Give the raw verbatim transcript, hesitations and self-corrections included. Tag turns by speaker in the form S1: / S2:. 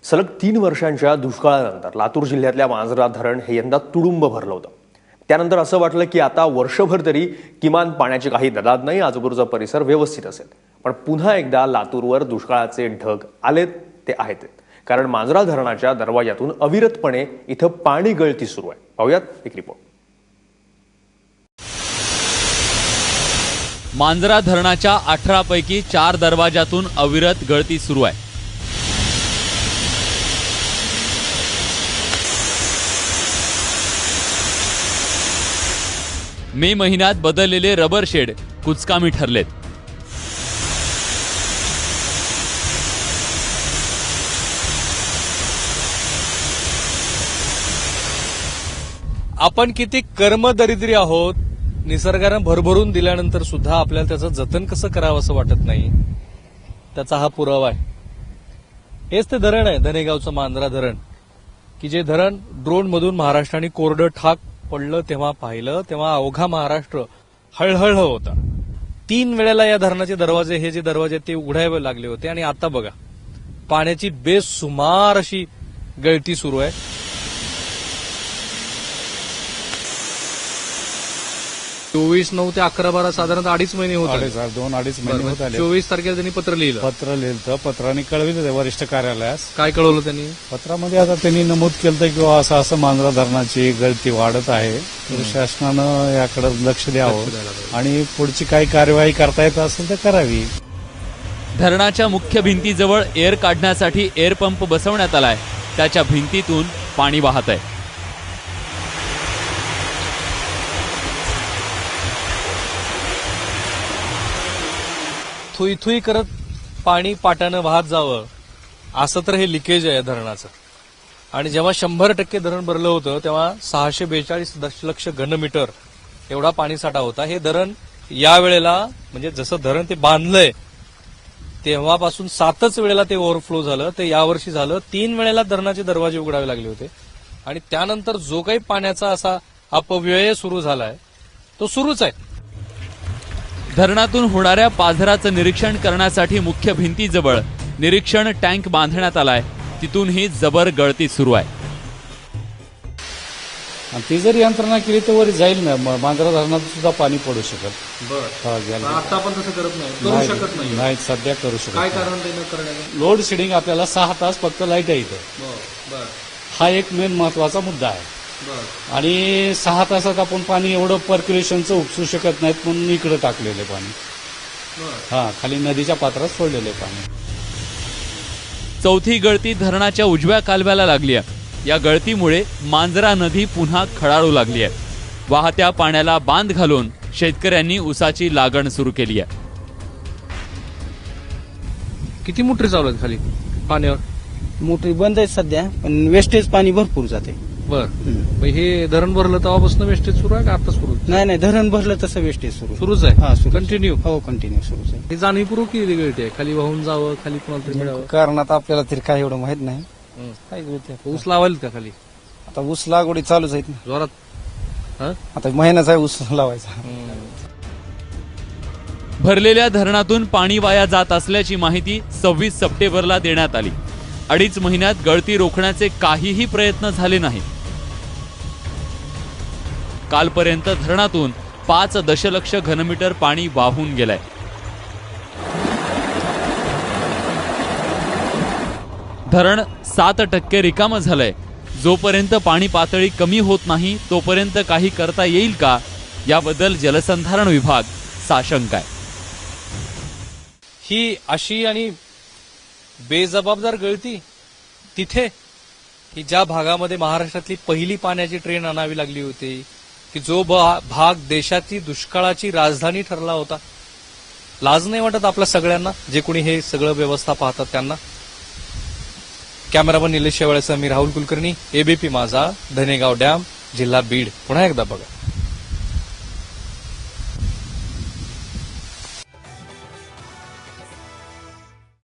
S1: सलग तीन वर्षांच्या दुष्काळानंतर लातूर जिल्ह्यातल्या मांजरा धरण हे यंदा तुडुंब भरलं होतं. त्यानंतर असं वाटलं की आता वर्षभर तरी किमान पाण्याची काही ददात नाही, आजूबाजूचा परिसर व्यवस्थित असेल. पण पुन्हा एकदा लातूरवर दुष्काळाचे ढग आलेत ते आहेत. कारण मांजरा धरणाच्या दरवाजातून अविरतपणे इथं पाणी गळती सुरू आहे. पाहूयात एक रिपोर्ट.
S2: मांजरा धरणाच्या अठरा पैकी चार दरवाजातून अविरत गळती सुरू आहे. मे महिन्यात बदललेले रबर शेड कुचकामी ठरलेत.
S3: आपण किती कर्मदरिद्री आहोत. निसर्गानं भरभरून दिल्यानंतर सुद्धा आपल्याला त्याचं जतन कसं करावं असं वाटत नाही. त्याचा हा पुरावा आहे. हेच ते धरण आहे, धनेगावचं मांजरा धरण, की जे धरण ड्रोन मधून महाराष्ट्राने कोरडं ठाक पडलं तेव्हा पाहिलं तेव्हा अवघा महाराष्ट्र हळहळ होता. तीन वेळेला या धरणाचे दरवाजे, हे जे दरवाजे ते उघडावे लागले होते. आणि आता बघा, पाण्याची बेसुमार अशी गळती सुरू आहे. चोवीस नऊ ते अकरा बारा साधारणतः अडीच महिने होत आले.
S4: दोन अडीच महिने होत आले.
S3: चोवीस तारखेला त्यांनी पत्र लिहिलं.
S4: पत्र लिहिलं, पत्राने कळविलं वरिष्ठ कार्यालयास.
S3: काय कळवलं त्यांनी?
S4: पत्रामध्ये आता त्यांनी नमूद केलं की असं असं मांजरा धरणाची गळती वाढत आहे, तर शासनानं याकडे लक्ष द्यावं आणि पुढची काही कार्यवाही करता येत असेल तर करावी.
S2: धरणाच्या मुख्य भिंतीजवळ एअर काढण्यासाठी एअर पंप बसवण्यात आलाय. त्याच्या भिंतीतून पाणी वाहत आहे.
S3: थुई थुई करत पाणी पाटानं वाहत जावं असं तर हे लिकेज आहे धरणाचं. आणि जेव्हा शंभर टक्के धरण भरलं होतं तेव्हा सहाशे बेचाळीस दशलक्ष घनमीटर एवढा पाणीसाठा होता. हे धरण या वेळेला, म्हणजे जसं धरण ते बांधलंय तेव्हापासून सातच वेळेला ते ओव्हरफ्लो झालं. ते यावर्षी झालं. तीन वेळेला धरणाचे दरवाजे उघडावे लागले होते. आणि त्यानंतर जो काही पाण्याचा असा अपव्यय सुरू झालाय तो सुरूच आहे.
S2: धरणातून होणाऱ्या पाझराचं निरीक्षण करण्यासाठी मुख्य भिंतीजवळ निरीक्षण टँक बांधण्यात आलाय. तिथूनही जबर गळती सुरू आहे.
S4: ती जर यंत्रणा केली तर वर जाईल ना, मांजरा धरणात सुद्धा पाणी पडू शकत.
S3: आता आपण तसं करत नाही, करू शकत नाही.
S4: नाही, सध्या करू शकत.
S3: काय कारण करण्याचं?
S4: लोड शेडिंग आपल्याला सहा तास फक्त लाईट आहे इथं. हा एक मेन महत्वाचा मुद्दा आहे. आणि सहा तासात आपण पाणी एवढं पर्क्युलेशनचं उपसू शकत नाहीत म्हणून इकडे टाकलेले पाणी. हा, खाली नदीच्या पात्रात सोडलेले पाणी.
S2: चौथी गळती धरणाच्या उजव्या कालव्याला लागली आहे. या गळतीमुळे मांजरा नदी पुन्हा खळाळू लागली आहे. वाहत्या पाण्याला बांध घालून शेतकऱ्यांनी ऊसाची लागण सुरू केली आहे.
S3: किती मोटरी चालू आहेत खाली पाण्यावर?
S5: मोटरी बंद आहे सध्या, पण वेस्टेज पाणी भरपूर जाते.
S3: बर, हे धरण भरलं तेव्हापासून वेस्टेज सुरू आहे का आता सुरू?
S5: नाही नाही, धरण भरलं तसं वेस्टेज सुरू
S3: सुरूच आहे.
S5: हा, सुरू.
S3: कंटिन्यू.
S5: हो, कंटिन्यू सुरूच आहे.
S3: ही जाणीवपूर्वक किती गळती आहे? खाली वाहून जावं, खाली कोणाला तरी मिळावं.
S5: कारण आता आपल्याला तरी काय एवढं माहित नाही. काय गळते?
S3: ऊस लावायला का खाली?
S5: आता ऊस लागवडी चालूच आहेत ना.
S3: जोरात.
S5: आता महिनाच आहे ऊस लावायचा.
S2: भरलेल्या धरणातून पाणी वाया जात असल्याची माहिती सव्वीस सप्टेंबरला देण्यात आली. अडीच महिन्यात गळती रोखण्याचे काहीही प्रयत्न झाले नाही. कालपर्यंत धरणातून पाच दशलक्ष घनमीटर पाणी वाहून गेलंय. धरण सात टक्के रिकामं झालंय. जोपर्यंत पाणी पातळी कमी होत नाही तोपर्यंत काही करता येईल का, याबद्दल जलसंधारण विभाग साशंक आहे.
S3: ही अशी आणि बेजबाबदार गळती तिथे, की ज्या भागामध्ये महाराष्ट्रातली पहिली पाण्याची ट्रेन आणावी लागली होती, की जो भाग देशाची दुष्काळाची राजधानी ठरला होता. लाज नाही वाटत आपल्या सगळ्यांना, जे कोणी हे सगळं व्यवस्था पाहतात त्यांना? कॅमेरामन निलेश शेवाळेसह मी राहुल कुलकर्णी, एबीपी माझा, धनेगाव डॅम, जिल्हा बीड. पुन्हा एकदा बघा.